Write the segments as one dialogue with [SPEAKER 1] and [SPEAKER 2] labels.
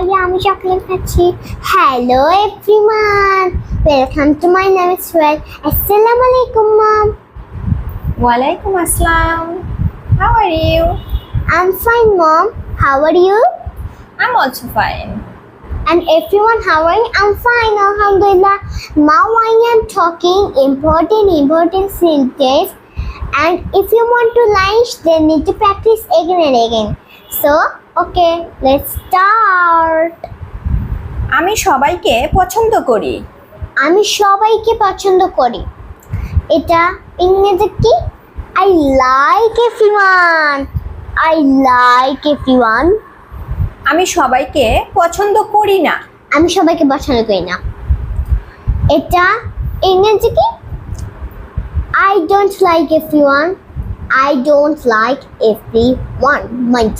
[SPEAKER 1] আগে আমি চকলেট খাচ্ছি। Hello everyone, welcome to my name is Sohel. আসসালামু আলাইকুম মম।
[SPEAKER 2] Walaikum Assalam. How are you?
[SPEAKER 1] I'm fine mom. How are you?
[SPEAKER 2] I'm also fine.
[SPEAKER 1] And everyone, how are you? I'm fine, alhamdulillah. Now I am talking important sentence. And if you want to lunch, then need to practice again and again. So, okay, let's start.
[SPEAKER 2] আমি সবাইকে পছন্দ করি।
[SPEAKER 1] আমি সবাইকে পছন্দ করি। এটা ইংরেজি কি? I like everyone. I like everyone.
[SPEAKER 2] আমি সবাইকে পছন্দ করি না।
[SPEAKER 1] আমি সবাইকে পছন্দ করি না। এটা ইংরেজি কি? I don't like everyone. I don't like everyone. Mind.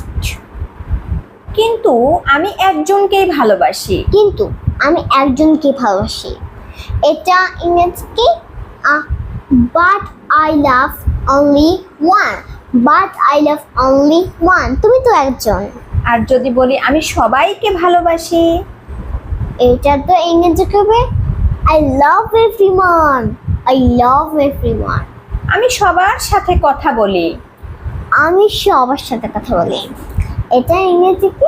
[SPEAKER 2] কিন্তু আমি একজনকেই ভালোবাসি।
[SPEAKER 1] কিন্তু আমি একজনকে ভালোবাসি। এটা ইংরেজি কি? But I love only one. But I love only one. তুমি তো একজন।
[SPEAKER 2] আর যদি বলি আমি সবাইকে ভালোবাসি,
[SPEAKER 1] এটা তো ইংরেজি হবে I love everyone. I love everyone.
[SPEAKER 2] আমি সবার সাথে কথা বলি।
[SPEAKER 1] আমি সবার সাথে কথা বলি। এটা ইংরেজি কি?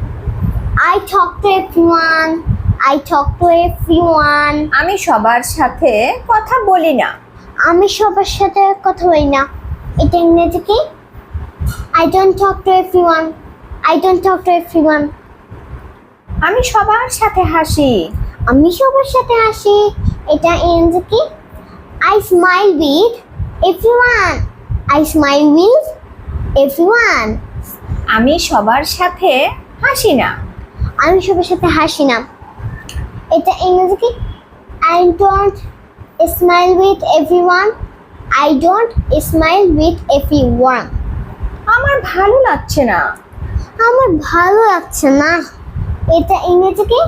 [SPEAKER 1] I talk to everyone. I talk to everyone.
[SPEAKER 2] আমি সবার সাথে কথা বলি না।
[SPEAKER 1] আমি সবার সাথে কথা বলি না। এটা ইংরেজি কি? I don't talk to everyone. I don't talk to everyone.
[SPEAKER 2] আমি সবার সাথে হাসি।
[SPEAKER 1] আমি সবার সাথে হাসি। এটা ইংরেজি কি? I smile with everyone. I smile with everyone.
[SPEAKER 2] আমি সবার সাথে হাসি না।
[SPEAKER 1] আমি সবার সাথে হাসি না। এটা ইংরেজি কি? I don't smile with everyone. I don't smile with everyone.
[SPEAKER 2] আমার ভালো লাগছে না।
[SPEAKER 1] আমার ভালো লাগছে না। এটা ইংরেজি কি?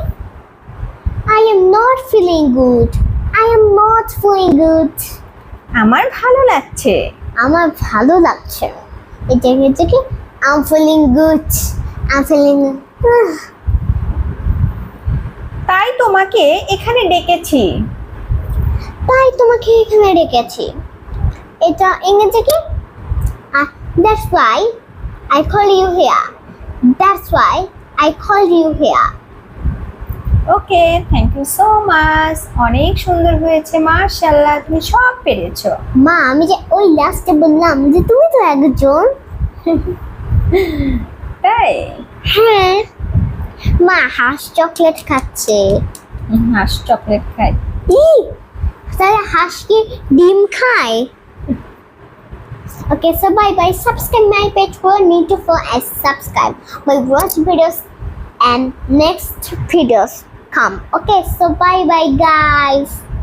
[SPEAKER 1] I am not feeling good. I am not feeling good.
[SPEAKER 2] আমার ভালো লাগছে।
[SPEAKER 1] আমার ভালো লাগছে। এটা ইংরেজি কি? I'm feeling good. I'm feeling
[SPEAKER 2] তাই তোমাকে এখানে ডেকেছি।
[SPEAKER 1] তাই তোমাকে এখানে রেখেছি। এটা ইংরেজি কি? That's why I call you here. That's why I called you here.
[SPEAKER 2] Okay, thank you so much. অনেক সুন্দর হয়েছে, মাশাআল্লাহ, তুমি সব পেরেছো।
[SPEAKER 1] মা, আমি যে ওই লাস্টে বললাম যে তুমি তো একজন।
[SPEAKER 2] তাই?
[SPEAKER 1] হ্যাঁ। মা হাঁস চকলেট খাচ্ছে।
[SPEAKER 2] হাঁস চকলেট খাই।
[SPEAKER 1] তাহলে হাঁস কি ডিম খায়? Okay, so bye. Subscribe my page for need to follow and subscribe. My watch videos and next videos come. Okay, so bye guys.